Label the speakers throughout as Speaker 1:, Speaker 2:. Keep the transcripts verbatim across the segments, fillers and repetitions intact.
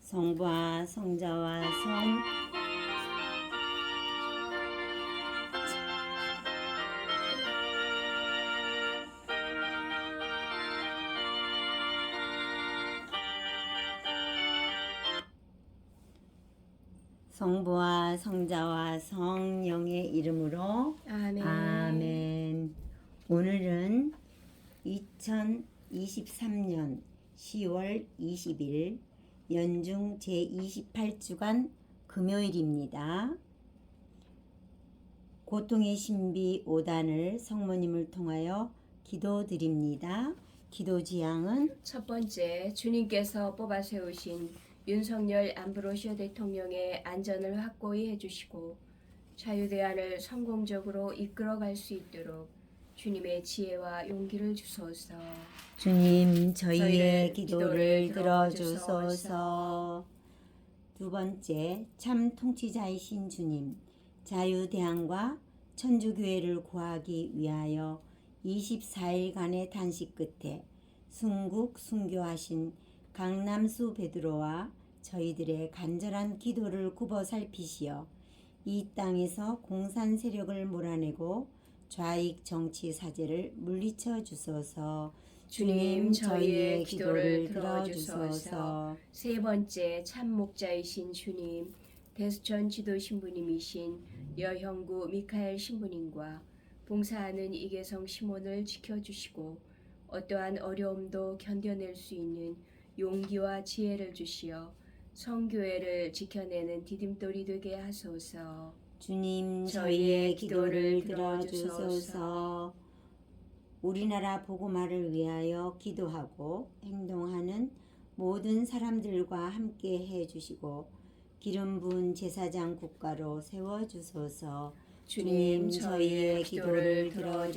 Speaker 1: 성부와 성자와 성 성부와 성자와 성령의 이름으로
Speaker 2: 아멘.
Speaker 1: 아멘. 오늘은 이천이십삼 년 시월 이십일 연중 제이십팔 주간 금요일입니다. 고통의 신비 오 단을 성모님을 통하여 기도드립니다. 기도 지향은
Speaker 2: 첫 번째, 주님께서 뽑아 세우신 윤석열 안브로시오 대통령의 안전을 확고히 해주시고 자유대안을 성공적으로 이끌어갈 수 있도록 주님의 지혜와 용기를 주소서.
Speaker 1: 주님 저희의
Speaker 2: 저희의
Speaker 1: 기도를
Speaker 2: 기도를
Speaker 1: 들어주소서. 두 번째, 참 통치자이신 주님, 자유대안과 천주교회를 구하기 위하여 이십사 일간의 단식 끝에 순국 순교하신 강남수 베드로와 저희들의 간절한 기도를 굽어 살피시어 이 땅에서 공산 세력을 몰아내고 좌익 정치 사제를 물리쳐 주소서. 주님 저희의 기도를 들어주소서.
Speaker 2: 세 번째, 참 목자이신 주님, 대수천 지도 신부님이신 여형구 미카엘 신부님과 봉사하는 이계성 시몬을 지켜주시고 어떠한 어려움도 견뎌낼 수 있는 용기와 지혜를 주시어 성교회를 지켜내는 디딤돌이 되게 하소서.
Speaker 1: 주님 저희의 기도를 들어주소서. 우리나라 복음화를 위하여 기도하고 행동하는 모든 사람들과 함께 해주시고 기름 부은 제사장 국가로 세워주소서. 주님 저희의 기도를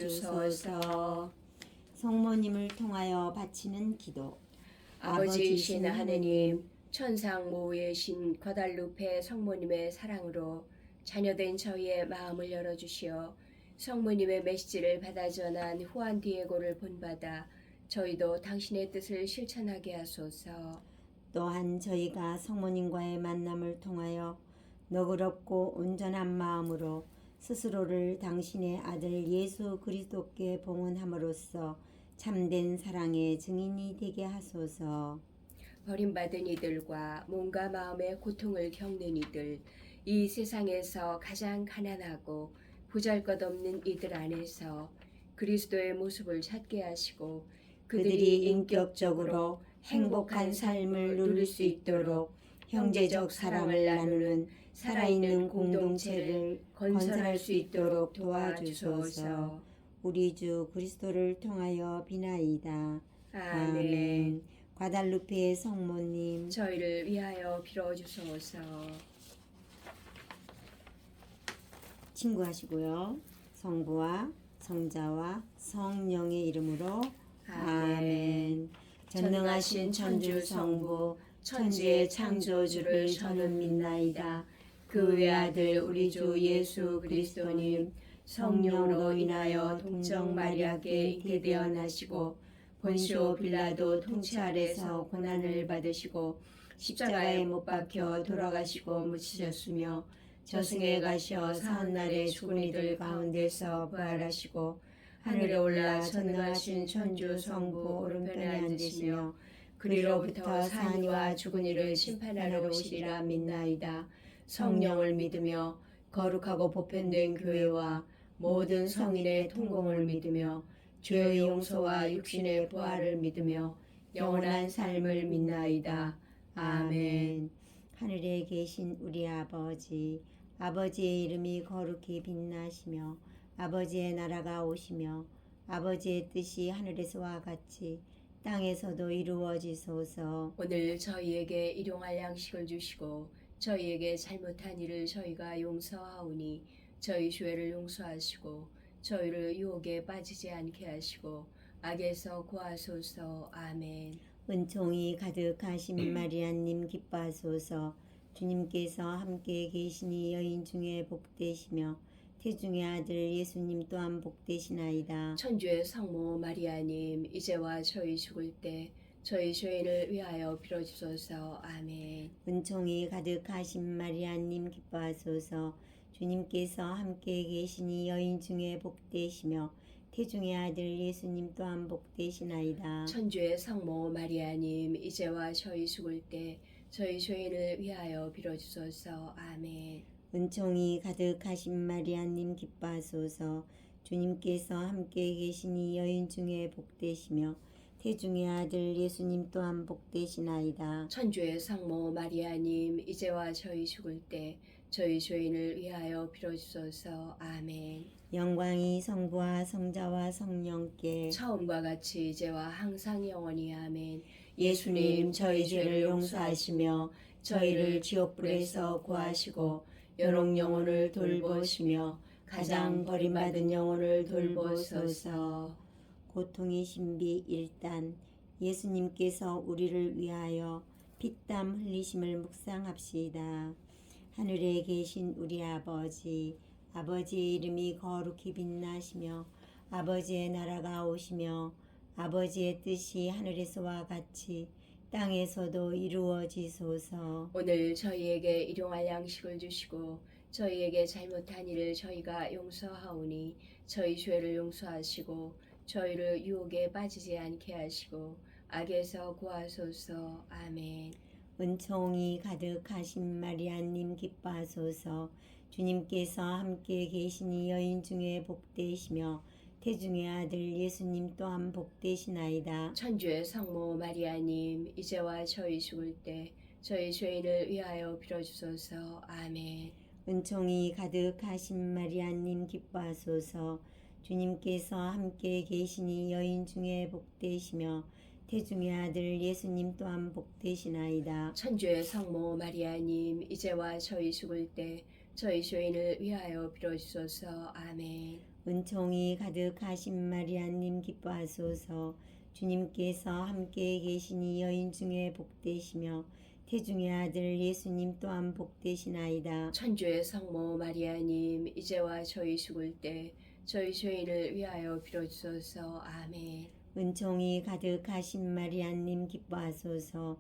Speaker 1: 들어주소서. 성모님을 통하여 바치는 기도.
Speaker 2: 아버지이신 하느님, 천상 모의 신 과달루페 성모님의 사랑으로 자녀된 저희의 마음을 열어주시어 성모님의 메시지를 받아 전한 후안 디에고를 본받아 저희도 당신의 뜻을 실천하게 하소서.
Speaker 1: 또한 저희가 성모님과의 만남을 통하여 너그럽고 온전한 마음으로 스스로를 당신의 아들 예수 그리스도께 봉헌함으로써 참된 사랑의 증인이 되게 하소서.
Speaker 2: 버림받은 이들과 몸과 마음의 고통을 겪는 이들, 이 세상에서 가장 가난하고 보잘것없는 이들 안에서 그리스도의 모습을 찾게 하시고
Speaker 1: 그들이 인격적으로 행복한 삶을 누릴 수 있도록 형제적 사랑을 나누는 살아있는 공동체를 건설할 수 있도록 도와주소서. 우리 주 그리스도를 통하여 비나이다. 아멘. 과달루페의 성모님,
Speaker 2: 저희를 위하여 빌어주소서.
Speaker 1: 친구하시고요. 성부와 성자와 성령의 이름으로 아멘. 전능하신 천주 성부 천지의 창조주를 저는 믿나이다. 그 외아들 우리 주 예수 그리스도님 성령으로 인하여 동정 마리아께 잉태되어 나시고 본시오 빌라도 통치 아래서 고난을 받으시고 십자가에 못 박혀 돌아가시고 묻히셨으며 저승에 가시어 사흔날에 죽은 이들 가운데서 부활하시고 하늘에 올라 전능하신 천주 성부 오른편에 앉으시며 그리로부터 산 이와 죽은 이를 심판하러 오시리라 믿나이다. 성령을 믿으며 거룩하고 보편된 교회와 모든 성인의 통공을 믿으며 죄의 용서와 육신의 부활을 믿으며 영원한 삶을 믿나이다. 아멘. 하늘에 계신 우리 아버지, 아버지의 이름이 거룩히 빛나시며 아버지의 나라가 오시며 아버지의 뜻이 하늘에서와 같이 땅에서도 이루어지소서.
Speaker 2: 오늘 저희에게 일용할 양식을 주시고 저희에게 잘못한 일을 저희가 용서하오니 저희 죄를 용서하시고 저희를 유혹에 빠지지 않게 하시고 악에서 구하소서. 아멘.
Speaker 1: 은총이 가득하신 마리아님 기뻐하소서. 주님께서 함께 계시니 여인 중에 복되시며 태중의 아들 예수님 또한 복되시나이다.
Speaker 2: 천주의 성모 마리아님, 이제와 저희 죽을 때 저희 죄인을 위하여 빌어주소서. 아멘.
Speaker 1: 은총이 가득하신 마리아님 기뻐하소서. 주님께서 함께 계시니 여인 중에 복되시며 태중의 아들 예수님 또한 복되시나이다.
Speaker 2: 천주의 성모 마리아님, 이제와 저희 죽을 때 저희 죄인을 위하여 빌어주소서. 아멘.
Speaker 1: 은총이 가득하신 마리아님 기뻐하소서. 주님께서 함께 계시니 여인 중에 복되시며 태중의 아들 예수님 또한 복되시나이다.
Speaker 2: 천주의 성모 마리아님, 이제와 저희 죽을 때 저희 죄인을 위하여 빌어주소서. 아멘.
Speaker 1: 영광이 성부와 성자와 성령께
Speaker 2: 처음과 같이 이제와 항상 영원히. 아멘.
Speaker 1: 예수님 저희 죄를 용서하시며 저희를 지옥불에서 구하시고 여러 영혼을 돌보시며 가장 버림받은 영혼을 돌보소서. 고통의 신비 일 단. 예수님께서 우리를 위하여 피땀 흘리심을 묵상합시다. 하늘에 계신 우리 아버지, 아버지의 이름이 거룩히 빛나시며 아버지의 나라가 오시며 아버지의 뜻이 하늘에서와 같이 땅에서도 이루어지소서.
Speaker 2: 오늘 저희에게 일용할 양식을 주시고 저희에게 잘못한 일을 저희가 용서하오니 저희 죄를 용서하시고 저희를 유혹에 빠지지 않게 하시고 악에서 구하소서. 아멘.
Speaker 1: 은총이 가득하신 마리아님 기뻐하소서. 주님께서 함께 계시니 여인 중에 복되시며 태중의 아들 예수님 또한 복되시나이다.
Speaker 2: 천주의 성모 마리아님, 이제와 저희 죽을 때 저희 죄인을 위하여 빌어주소서. 아멘.
Speaker 1: 은총이 가득하신 마리아님 기뻐하소서. 주님께서 함께 계시니 여인 중에 복되시며 태중의 아들 예수님 또한 복되시나이다.
Speaker 2: 천주의 성모 마리아님, 이제와 저희 죽을 때 저희 죄인을 위하여 빌어주소서. 아멘.
Speaker 1: 은총이 가득하신 마리아님 기뻐하소서. 주님께서 함께 계시니 여인 중에 복되시며 태중의 아들 예수님 또한 복되시나이다.
Speaker 2: 천주의 성모 마리아님, 이제와 저희 죽을 때 저희 죄인을 위하여 빌어주소서. 아멘.
Speaker 1: 은총이 가득하신 마리아님 기뻐하소서.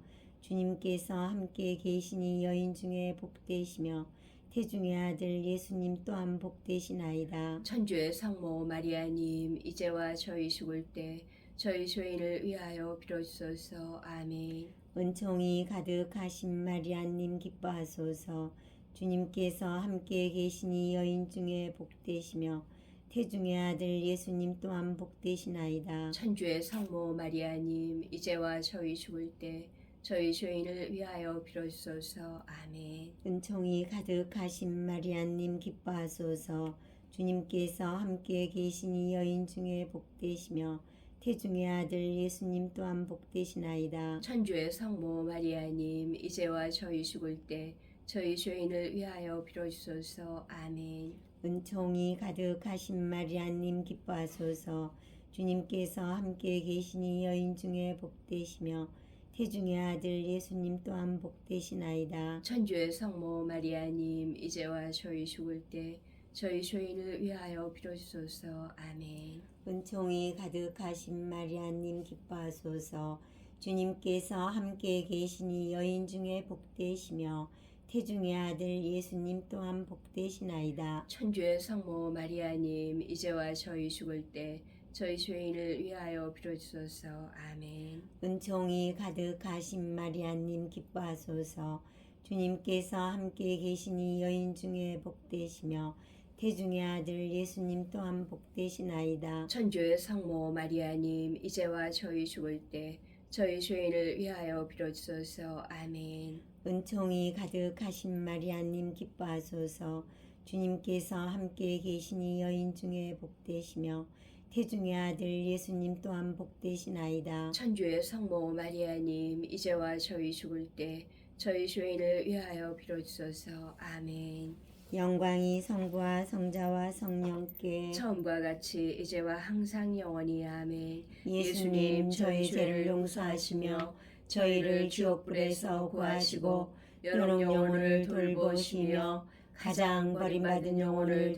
Speaker 1: 주님께서 함께 계시니 여인 중에 복되시며 태중의 아들 예수님 또한 복되시나이다.
Speaker 2: 천주의 성모 마리아님, 이제와 저희 죽을 때 저희 죄인을 위하여 빌어주소서. 아멘.
Speaker 1: 은총이 가득하신 마리아님 기뻐하소서. 주님께서 함께 계시니 여인 중에 복되시며 태중의 아들 예수님 또한 복되시나이다.
Speaker 2: 천주의 성모 마리아님, 이제와 저희 죽을 때 저희 죄인을 위하여 빌어주소서. 아멘.
Speaker 1: 은총이 가득하신 마리아님 기뻐하소서. 주님께서 함께 계시니 여인 중에 복되시며 태중의 아들 예수님 또한 복되시나이다.
Speaker 2: 천주의 성모 마리아님, 이제와 저희 죽을 때 저희 죄인을 위하여 빌어주소서. 아멘.
Speaker 1: 은총이 가득하신 마리아님 기뻐하소서. 주님께서 함께 계시니 여인 중에 복되시며 태중의 아들 예수님 또한 복되시나이다.
Speaker 2: 천주의 성모 마리아님, 이제와 저희 죽을 때 저희 죄인을 위하여 빌어주소서. 아멘.
Speaker 1: 은총이 가득하신 마리아님 기뻐하소서. 주님께서 함께 계시니 여인 중에 복되시며 태중의 아들 예수님 또한 복되시나이다.
Speaker 2: 천주의 성모 마리아님, 이제와 저희 죽을 때 저희 죄인을 위하여 빌어주소서. 아멘.
Speaker 1: 은총이 가득하신 마리아님 기뻐하소서. 주님께서 함께 계시니 여인 중에 복되시며 태중의 아들 예수님 또한 복되시나이다.
Speaker 2: 천주의 성모 마리아님, 이제와 저희 죽을 때 저희 죄인을 위하여 빌어주소서. 아멘.
Speaker 1: 은총이 가득하신 마리아님 기뻐하소서. 주님께서 함께 계시니 여인 중에 복되시며 태중의 아들 예수님 또한 복되시나이다.
Speaker 2: 천주의 성모 마리아님, 이제와 저희 죽을 때 저희 죄인을 위하여 빌어주소서. 아멘.
Speaker 1: 영광이 성부와 성자와 성령께
Speaker 2: 처음과 같이 이제와 항상 영원히. 아멘.
Speaker 1: 예수님 저희 죄를 용서하시며 저희를 지옥불에서 구하시고 여러 영혼을 돌보시며 가장 버림받은 영혼을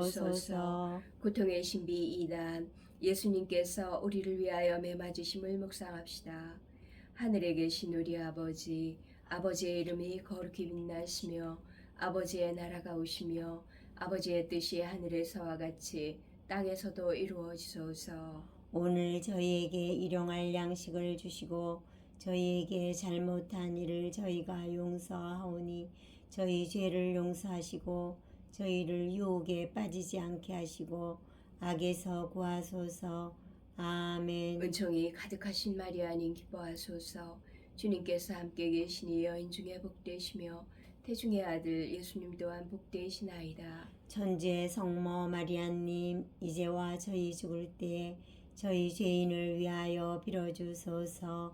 Speaker 1: 돌보소서.
Speaker 2: 고통의 신비 이 단. 예수님께서 우리를 위하여 매맞으심을 묵상합시다. 하늘에 계신 우리 아버지, 아버지의 이름이 거룩히 빛나시며 아버지의 나라가 오시며 아버지의 뜻이 하늘에서와 같이 땅에서도 이루어지소서.
Speaker 1: 오늘 저희에게 일용할 양식을 주시고 저희에게 잘못한 일을 저희가 용서하오니 저희 죄를 용서하시고 저희를 유혹에 빠지지 않게 하시고 악에서 구하소서. 아멘.
Speaker 2: 은총이 가득하신 마리아님 기뻐하소서. 주님께서 함께 계시니 여인 중에 복되시며 태중의 아들 예수님 또한 복되시나이다.
Speaker 1: 천주의 성모 마리아님, 이제와 저희 죽을 때에 저희 죄인을 위하여 빌어주소서.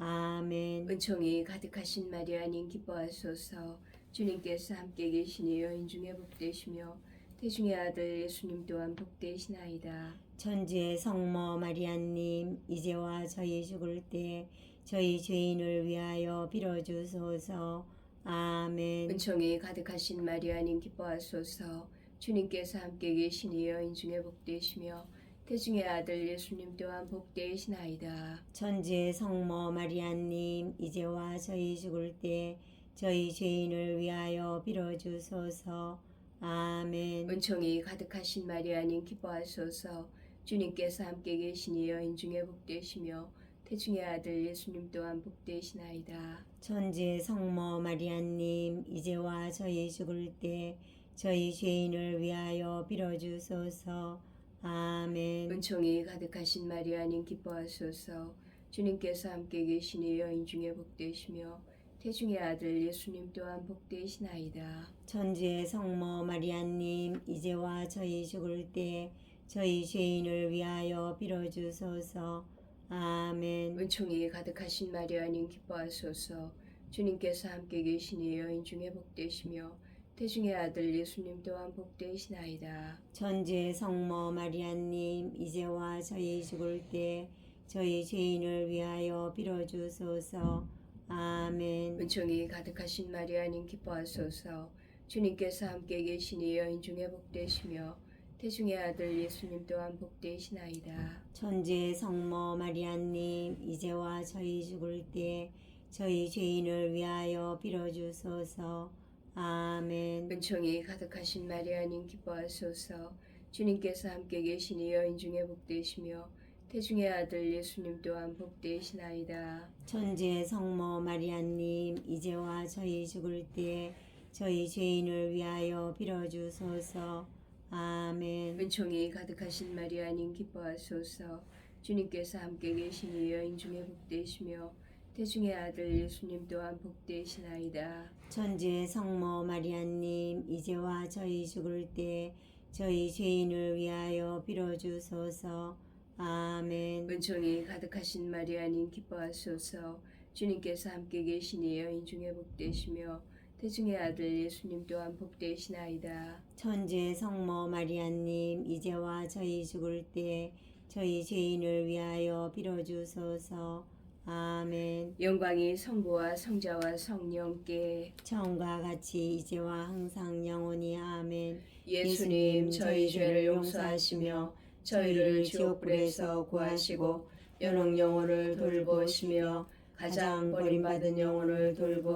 Speaker 1: 아멘.
Speaker 2: 은총이 가득하신 마리아님 기뻐하소서. 주님께서 함께 계시니 여인 중에 복되시며 태중의 아들 예수님 또한 복되시나이다.
Speaker 1: 천주의 성모 마리아님, 이제와 저희 죽을 때에 저희 죄인을 위하여 빌어주소서. 아멘.
Speaker 2: 은총이 가득하신 마리아님 기뻐하소서. 주님께서 함께 계시니 여인 중에 복되시며 태중의 아들 예수님 또한 복되시나이다.
Speaker 1: 천주의 성모 마리아님, 이제와 저희 죽을 때 저희 죄인을 위하여 빌어주소서. 아멘.
Speaker 2: 은총이 가득하신 마리아님 기뻐하소서. 주님께서 함께 계시니 여인 중에 복되시며 태중의 아들 예수님 또한 복되시나이다.
Speaker 1: 천주의 성모 마리아님, 이제와 저희 죽을 때 저희 죄인을 위하여 빌어주소서. 아멘.
Speaker 2: 은총이 가득하신 마리아님 기뻐하소서. 주님께서 함께 계시니 여인 중에 복되시며 태중의 아들 예수님 또한 복되시나이다.
Speaker 1: 천주의 성모 마리아님, 이제와 저희 죽을 때 저희 죄인을 위하여 빌어주소서. 아멘.
Speaker 2: 은총이 가득하신 마리아님 기뻐하소서. 주님께서 함께 계시니 여인 중에 복되시며 태중의 아들 예수님 또한 복되시나이다.
Speaker 1: 천주의 성모 마리아님, 이제와 저희 죽을 때 저희 죄인을 위하여 빌어주소서. 아멘.
Speaker 2: 은총이 가득하신 마리아님 기뻐하소서. 주님께서 함께 계시니 여인 중에 복되시며 태중의 아들 예수님 또한 복되시나이다.
Speaker 1: 천주의 성모 마리아님, 이제와 저희 죽을 때 저희 죄인을 위하여 빌어주소서. 아멘.
Speaker 2: 은총이 가득하신 마리아님 기뻐하소서. 주님께서 함께 계시니 여인 중에 복되시며 태중의 아들 예수님 또한 복되시나이다.
Speaker 1: 천주의 성모 마리아님, 이제와 저희 죽을 때 저희 죄인을 위하여 빌어주소서. 아멘.
Speaker 2: 은총이 가득하신 마리아님 기뻐하소서. 주님께서 함께 계시니 여인 중에 복되시며 태중의 아들 예수님 또한 복되시나이다.
Speaker 1: 천주의 성모 마리아님, 이제와 저희 죽을 때 저희 죄인을 위하여 빌어주소서. 아멘.
Speaker 2: 은총이 가득하신 마리아님 기뻐하소서. 주님께서 함께 계시니 여인 중에 복되시며 태중의 아들 예수님 또한 복되시나이다.
Speaker 1: 천주의 성모 마리아님, 이제와 저희 죽을 때 저희 죄인을 위하여 빌어주소서. 아멘.
Speaker 2: 영광이 성부와 성자와 성령께
Speaker 1: 처음과 같이 이제와 항상 영원히. 아멘.
Speaker 2: 예수님 저희 죄를 용서하시며 저희를 지옥불에서 구하시고 연옥 영혼을 돌보시며 가장 버림받은 영혼을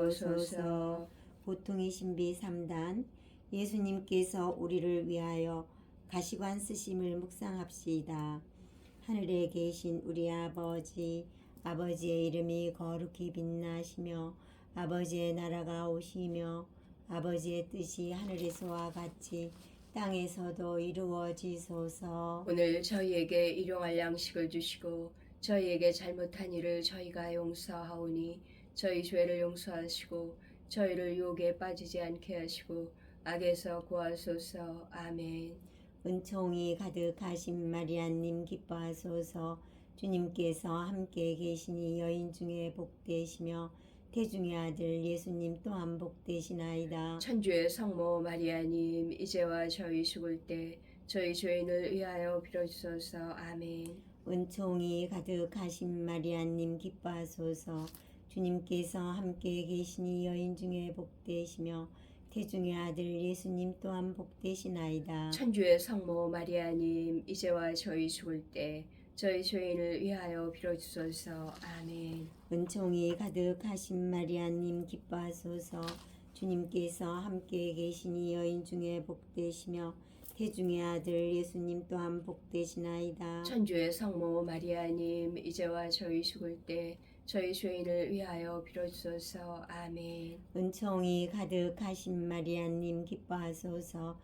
Speaker 2: 돌보소서.
Speaker 1: 보통의 신비 삼 단. 예수님께서 우리를 위하여 가시관 쓰심을 묵상합시다. 하늘에 계신 우리 아버지, 아버지의 이름이 거룩히 빛나시며 아버지의 나라가 오시며 아버지의 뜻이 하늘에서와 같이 땅에서도 이루어지소서.
Speaker 2: 오늘 저희에게 일용할 양식을 주시고 저희에게 잘못한 일을 저희가 용서하오니 저희 죄를 용서하시고 저희를 유혹에 빠지지 않게 하시고 악에서 구하소서. 아멘.
Speaker 1: 은총이 가득하신 마리아님 기뻐하소서. 주님께서 함께 계시니 여인 중에 복되시며 태중의 아들 예수님 또한 복되시나이다.
Speaker 2: 천주의 성모 마리아님, 이제와 저희 죽을 때 저희 죄인을 위하여 빌어주소서. 아멘.
Speaker 1: 은총이 가득하신 마리아님 기뻐하소서. 주님께서 함께 계시니 여인 중에 복되시며 태중의 아들 예수님 또한 복되시나이다.
Speaker 2: 천주의 성모 마리아님, 이제와 저희 죽을 때 저희 죄인을 위하여 빌어주소서. 아멘.
Speaker 1: 은총이 가득하신 마리아님 기뻐하소서. 주님께서 함께 계시니 여인 중에 복되시며 태중의 아들 예수님 또한 복되시나이다.
Speaker 2: 천주의 성모 마리아님, 이제와 저희 죽을 때 저희 죄인을 위하여 빌어주소서. 아멘.
Speaker 1: 은총이 가득하신 마리아님 기뻐하소서.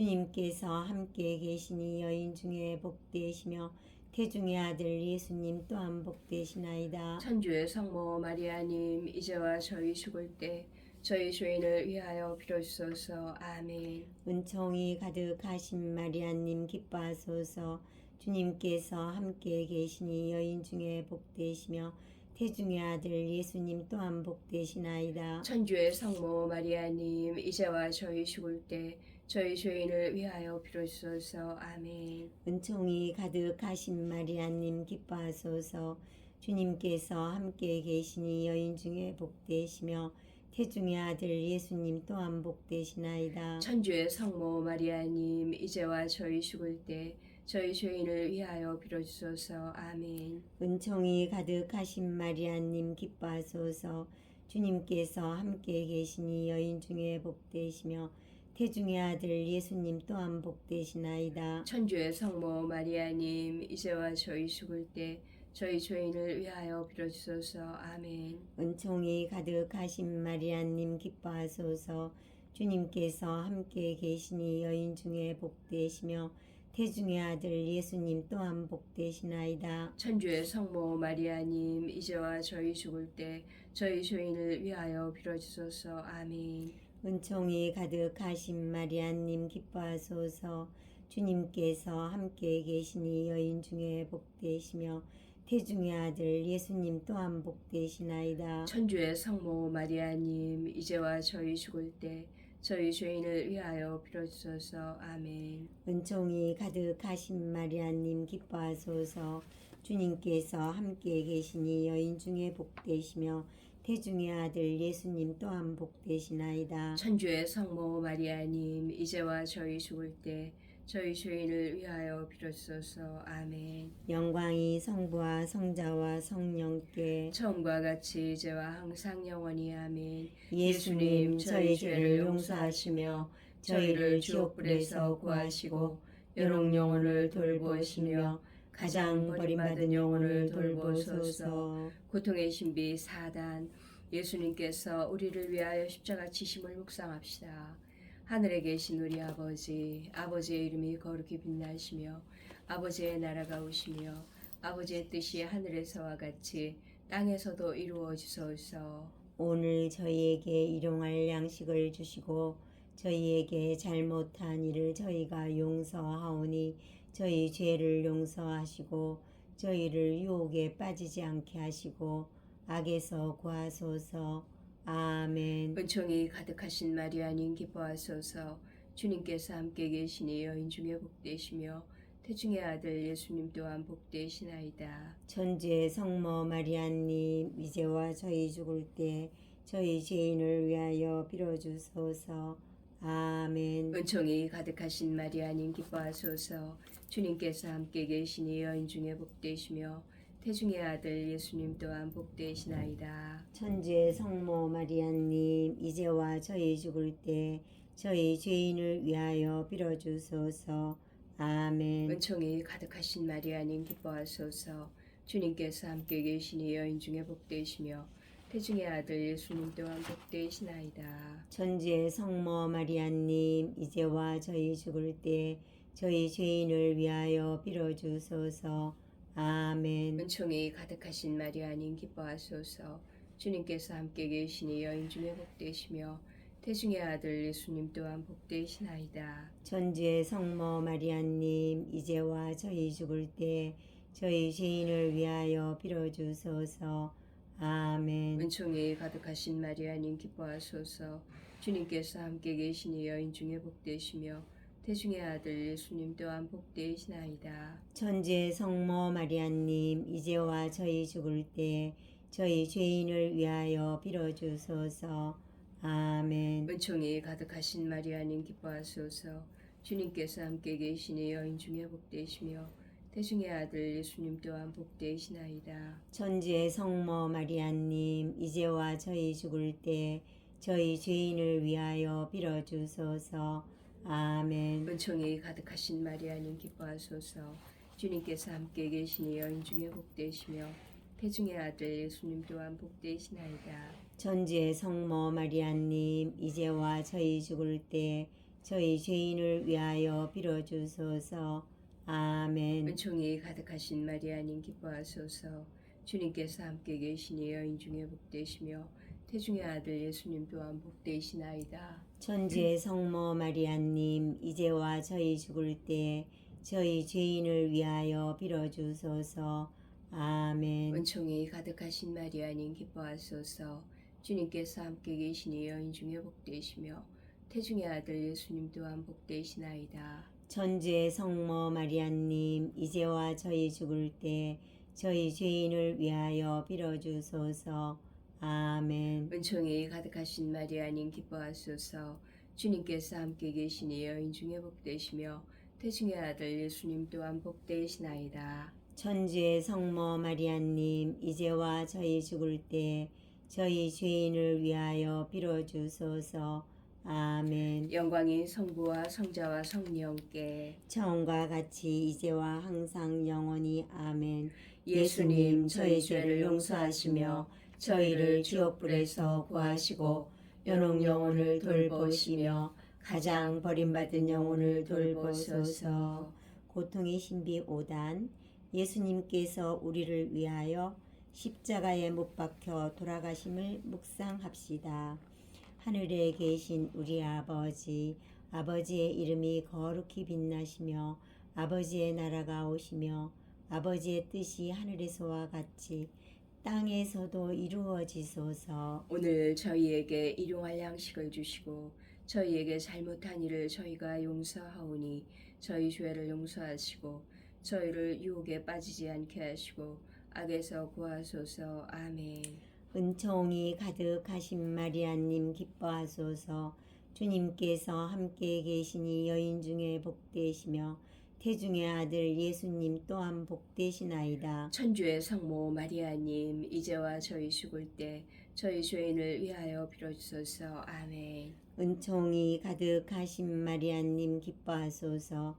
Speaker 1: 주님께서 함께 계시니 여인 중에 복되시며 태중의 아들 예수님 또한 복되시나이다.
Speaker 2: 천주의 성모 마리아님, 이제와 저희 죽을 때 저희 죄인을 위하여 빌어주소서. 아멘.
Speaker 1: 은총이 가득하신 마리아님 기뻐하소서. 주님께서 함께 계시니 여인 중에 복되시며 태중의 아들 예수님 또한 복되시나이다.
Speaker 2: 천주의 성모 마리아님, 이제와 저희 죽을 때 저희 죄인을 위하여 빌어주소서. 아멘.
Speaker 1: 은총이 가득하신 마리아님 기뻐하소서. 주님께서 함께 계시니 여인 중에 복되시며 태중의 아들 예수님 또한 복되시나이다.
Speaker 2: 천주의 성모 마리아님, 이제와 저희 죽을 때 저희 죄인을 위하여 빌어주소서. 아멘.
Speaker 1: 은총이 가득하신 마리아님 기뻐하소서. 주님께서 함께 계시니 여인 중에 복되시며 태중의 아들 예수님 또한 복되시나이다.
Speaker 2: 천주의 성모 마리아님, 이제와 저희 죽을 때 저희 죄인을 위하여 빌어주소서. 아멘.
Speaker 1: 은총이 가득하신 마리아님 기뻐하소서. 주님께서 함께 계시니 여인 중에 복되시며 태중의 아들 예수님 또한 복되시나이다.
Speaker 2: 천주의 성모 마리아님, 이제와 저희 죽을 때 저희 죄인을 위하여 빌어주소서. 아멘.
Speaker 1: 은총이 가득하신 마리아님 기뻐하소서. 주님께서 함께 계시니 여인 중에 복되시며 태중의 아들 예수님 또한 복되시나이다.
Speaker 2: 천주의 성모 마리아님, 이제와 저희 죽을 때 저희 죄인을 위하여 빌어주소서. 아멘.
Speaker 1: 은총이 가득하신 마리아님 기뻐하소서. 주님께서 함께 계시니 여인 중에 복되시며 태중의 아들 예수님 또한 복되시나이다.
Speaker 2: 천주의 성모 마리아님, 이제와 저희 죽을 때 저희 죄인을 위하여 빌어주소서. 아멘.
Speaker 1: 영광이 성부와 성자와 성령께
Speaker 2: 처음과 같이 이제와 항상 영원히. 아멘.
Speaker 1: 예수님 저희 죄를 용서하시며 저희를 지옥불에서 구하시고 여러 영혼을 돌보시며 가장 버림받은 영혼을 돌보소서.
Speaker 2: 고통의 신비 사 단, 예수님께서 우리를 위하여 십자가 지심을 묵상합시다. 하늘에 계신 우리 아버지, 아버지의 이름이 거룩히 빛나시며 아버지의 나라가 오시며 아버지의 뜻이 하늘에서와 같이 땅에서도 이루어지소서.
Speaker 1: 오늘 저희에게 일용할 양식을 주시고 저희에게 잘못한 일을 저희가 용서하오니 저희 죄를 용서하시고 저희를 유혹에 빠지지 않게 하시고 악에서 구하소서. 아멘.
Speaker 2: 은총이 가득하신 마리아님 기뻐하소서. 주님께서 함께 계시니 여인 중에 복되시며 태중의 아들 예수님 또한 복되시나이다.
Speaker 1: 천주의 성모 마리아님 이제와 저희 죽을 때 저희 죄인을 위하여 빌어주소서. 아멘.
Speaker 2: 은총이 가득하신 마리아님 기뻐하소서. 주님께서 함께 계시니 여인 중에 복되시며 태중의 아들 예수님 또한 복되시나이다.
Speaker 1: 천주의 성모 마리아님 이제와 저희 죽을 때 저희 죄인을 위하여 빌어주소서. 아멘.
Speaker 2: 은총이 가득하신 마리아님 기뻐하소서. 주님께서 함께 계시니 여인 중에 복되시며 태중의 아들 예수님 또한 복되시나이다.
Speaker 1: 천주의 성모 마리아님 이제와 저희 죽을 때 저희 죄인을 위하여 빌어주소서. 아멘.
Speaker 2: 은총이 가득하신 마리아님 기뻐하소서. 주님께서 함께 계시니 여인 중에 복되시며 태중의 아들 예수님 또한 복되시나이다.
Speaker 1: 천주의 성모 마리아님 이제와 저희 죽을 때 저희 죄인을 위하여 빌어주소서. 아멘.
Speaker 2: 은총이 가득하신 마리아님 기뻐하소서. 주님께서 함께 계시니 여인 중에 복되시며 태중의 아들 예수님 또한 복되시나이다.
Speaker 1: 천주의 성모 마리아님 이제와 저희 죽을 때 저희 죄인을 위하여 빌어주소서. 아멘.
Speaker 2: 은총이 가득하신 마리아님 기뻐하소서. 주님께서 함께 계시니 여인 중에 복되시며 태중의 아들 예수님 또한 복되시나이다.
Speaker 1: 천주의 성모 마리아님, 이제와 저희 죽을 때 저희 죄인을 위하여 빌어주소서. 아멘.
Speaker 2: 은총이 가득하신 마리아님 기뻐하소서. 주님께서 함께 계시니 여인 중에 복되시며 태중의 아들 예수님 또한 복되시나이다.
Speaker 1: 천주의 성모 마리아님, 이제와 저희 죽을 때 저희 죄인을 위하여 빌어주소서. 아멘.
Speaker 2: 은총이 가득하신 마리아님 기뻐하소서. 주님께서 함께 계시니 여인 중에 복되시며 태중의 아들 예수님 또한 복되시나이다.
Speaker 1: 천주의 성모 마리아님, 이제와 저희 죽을 때 저희 죄인을 위하여 빌어주소서. 아멘.
Speaker 2: 은총이 가득하신 마리아님 기뻐하소서. 주님께서 함께 계시니 여인 중에 복되시며 태중의 아들 예수님 또한 복되시나이다.
Speaker 1: 천주의 성모 마리아님, 이제와 저희 죽을 때 저희 죄인을 위하여 빌어주소서. 아멘.
Speaker 2: 은총이 가득하신 마리아님 기뻐하소서. 주님께서 함께 계시니 여인 중에 복되시며 태중의 아들 예수님 또한 복되시나이다.
Speaker 1: 천주의 성모 마리아님, 이제와 저희 죽을 때 저희 죄인을 위하여 빌어주소서. 아멘.
Speaker 2: 영광이 성부와 성자와 성령께
Speaker 1: 처음과 같이 이제와 항상 영원히. 아멘.
Speaker 2: 예수님 저희 죄를 용서하시며 저희를 지옥불에서 구하시고 연옥 영혼을 돌보시며 가장 버림받은 영혼을 돌보소서.
Speaker 1: 고통의 신비 오 단. 예수님께서 우리를 위하여 십자가에 못 박혀 돌아가심을 묵상합시다. 하늘에 계신 우리 아버지, 아버지의 이름이 거룩히 빛나시며 아버지의 나라가 오시며 아버지의 뜻이 하늘에서와 같이 땅에서도 이루어지소서.
Speaker 2: 오늘 저희에게 일용할 양식을 주시고 저희에게 잘못한 일을 저희가 용서하오니 저희 죄를 용서하시고 저희를 유혹에 빠지지 않게 하시고 악에서 구하소서. 아멘.
Speaker 1: 은총이 가득하신 마리아님 기뻐하소서. 주님께서 함께 계시니 여인 중에 복되시며 태중의 아들 예수님 또한 복되시나이다.
Speaker 2: 천주의 성모 마리아님, 이제와 저희 죽을 때 저희 죄인을 위하여 빌어주소서. 아멘.
Speaker 1: 은총이 가득하신 마리아님 기뻐하소서.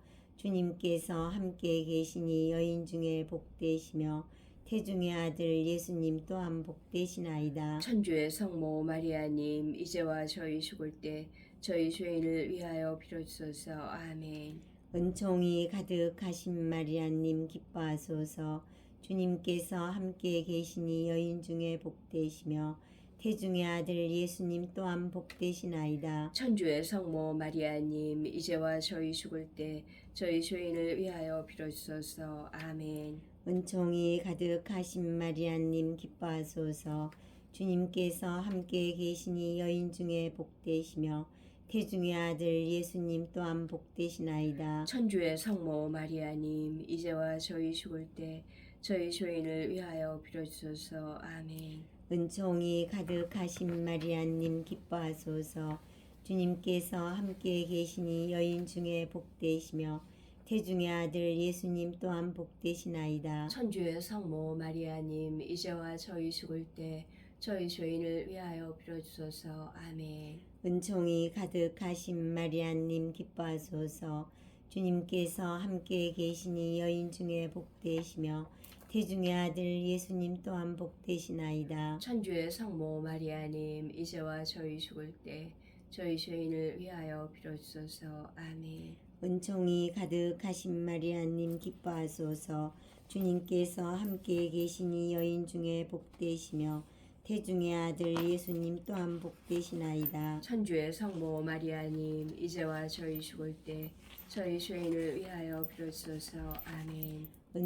Speaker 1: 주님께서 함께 계시니 여인 중에 복되시며 태중의 아들 예수님 또한 복되시나이다.
Speaker 2: 천주의 성모 마리아님, 이제와 저희 죽을 때 저희 죄인을 위하여 빌어주소서. 아멘.
Speaker 1: 은총이 가득하신 마리아님 기뻐하소서. 주님께서 함께 계시니 여인 중에 복되시며 태중의 아들 예수님 또한 복되시나이다.
Speaker 2: 천주의 성모 마리아님, 이제와 저희 죽을 때 저희 죄인을 위하여 빌어주소서. 아멘.
Speaker 1: 은총이 가득하신 마리아님 기뻐하소서. 주님께서 함께 계시니 여인 중에 복되시며 태중의 아들 예수님 또한 복되시나이다.
Speaker 2: 천주의 성모 마리아님, 이제와 저희 죽을 때 저희 죄인을 위하여 빌어주소서. 아멘.
Speaker 1: 은총이 가득하신 마리아님 기뻐하소서. 주님께서 함께 계시니 여인 중에 복되시며 태중의 아들 예수님 또한 복되시나이다.
Speaker 2: 천주의 성모 마리아님, 이제와 저희 죽을 때 저희 죄인을 위하여 빌어주소서. 아멘.
Speaker 1: 은총이 가득하신 마리아님 기뻐하소서. 주님께서 함께 계시니 여인 중에 복되시며 태중의 아들 예수님 또한 복되시나이다.
Speaker 2: 천주의 성모 마리아님, 이제와 저희 죽을 때 저희 죄인을 위하여 빌어주소서. 아멘.
Speaker 1: 은총이 가득하신 마리아님 기뻐하소서. 주님께서 함께 계시니 여인 중에 복되시며 태중의 아들 예수님 또한 복되시나이다.
Speaker 2: 천주의 성모 마리아님, 이제와 저희 죽을 때 저희 죄인을 위하여 빌어주소서. 아멘.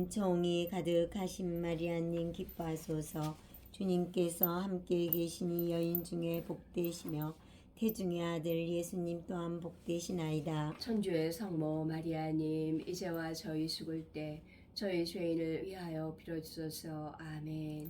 Speaker 1: 은총이 가득하신 마리아님 기뻐하소서. 주님께서 함께 계시니 여인 중에 복되시며 태중의 아들 예수님 또한 복되시나이다.
Speaker 2: 천주의 성모 마리아님, 이제와 저희 죽을 때 저희 죄인을 위하여 빌어주소서. 아멘.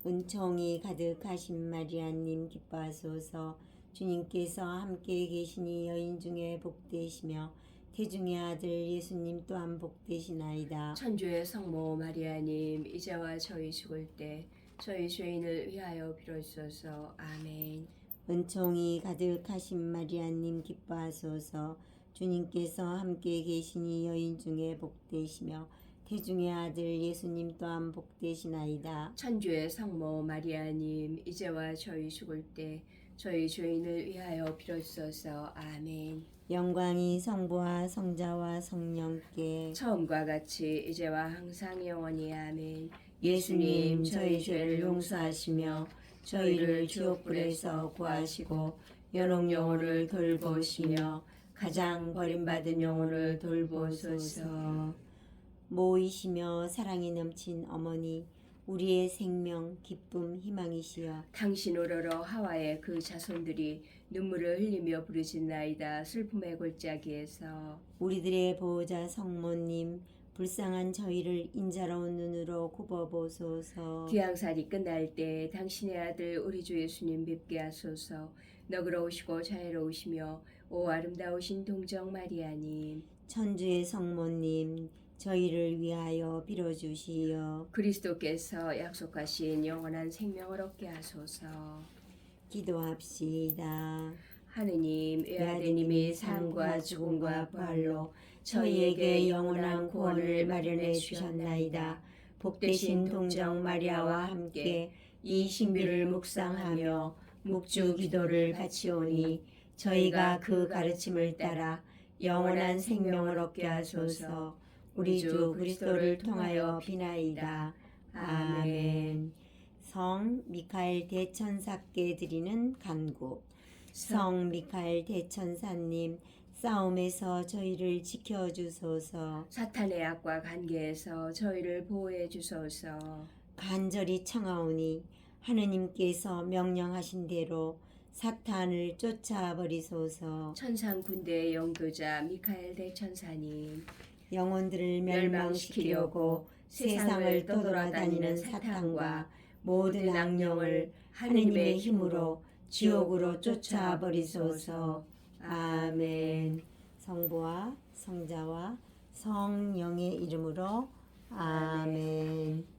Speaker 1: 은총이 가득하신 마리아님 기뻐하소서. 주님께서 함께 계시니 여인 중에 복되시며 태중의 아들 예수님 또한 복되시나이다.
Speaker 2: 천주의 성모 마리아님 이제와 저희 죽을 때 저희 죄인을 위하여 빌어주소서. 아멘.
Speaker 1: 은총이 가득하신 마리아님 기뻐하소서. 주님께서 함께 계시니 여인 중에 복되시며 태중의 아들 예수님 또한 복되시나이다.
Speaker 2: 천주의 성모 마리아님 이제와 저희 죽을 때 저희 죄인을 위하여 빌어주소서. 아멘.
Speaker 1: 영광이 성부와 성자와 성령께
Speaker 2: 처음과 같이 이제와 항상 영원히 아멘.
Speaker 1: 예수님 저희 죄를 용서하시며 저희를 지옥불에서 구하시고 연옥 영혼을 돌보시며 가장 버림받은 영혼을 돌보소서. 모이시며 사랑이 넘친 어머니 우리의 생명 기쁨 희망이시여
Speaker 2: 당신 오러러 하와의 그 자손들이 눈물을 흘리며 부르짖나이다. 슬픔의 골짜기에서
Speaker 1: 우리들의 보호자 성모님 불쌍한 저희를 인자로운 눈으로 굽어보소서.
Speaker 2: 귀양살이 끝날 때 당신의 아들 우리 주 예수님 뵙게 하소서. 너그러우시고 자애로우시며 오 아름다우신 동정 마리아님
Speaker 1: 천주의 성모님 저희를 위하여 빌어주시어.
Speaker 2: 그리스도께서 약속하신 영원한 생명을 얻게 하소서.
Speaker 1: 기도합시다.
Speaker 2: 하느님 외아드님이 삶과 죽음과 부활로
Speaker 1: 저희에게 영원한 구원을 마련해 주셨나이다. 복되신 동정 마리아와 함께 이 신비를 묵상하며 묵주 기도를 바치오니 저희가 그 가르침을 따라 영원한 생명을 얻게 하소서. 우리 주 그리스도를 통하여 비나이다. 아멘. 성 미카엘 대천사께 드리는 간구. 성 미카엘 대천사님 싸움에서 저희를 지켜주소서.
Speaker 2: 사탄의 악과 관계에서 저희를 보호해 주소서.
Speaker 1: 간절히 청하오니 하느님께서 명령하신 대로 사탄을 쫓아버리소서.
Speaker 2: 천상 군대의 영도자 미카엘 대천사님
Speaker 1: 영혼들을 멸망시키려고 세상을 떠돌아다니는 사탄과 모든 악령을 하느님의 힘으로 지옥으로 쫓아버리소서. 아멘. 성부와 성자와 성령의 이름으로 아멘.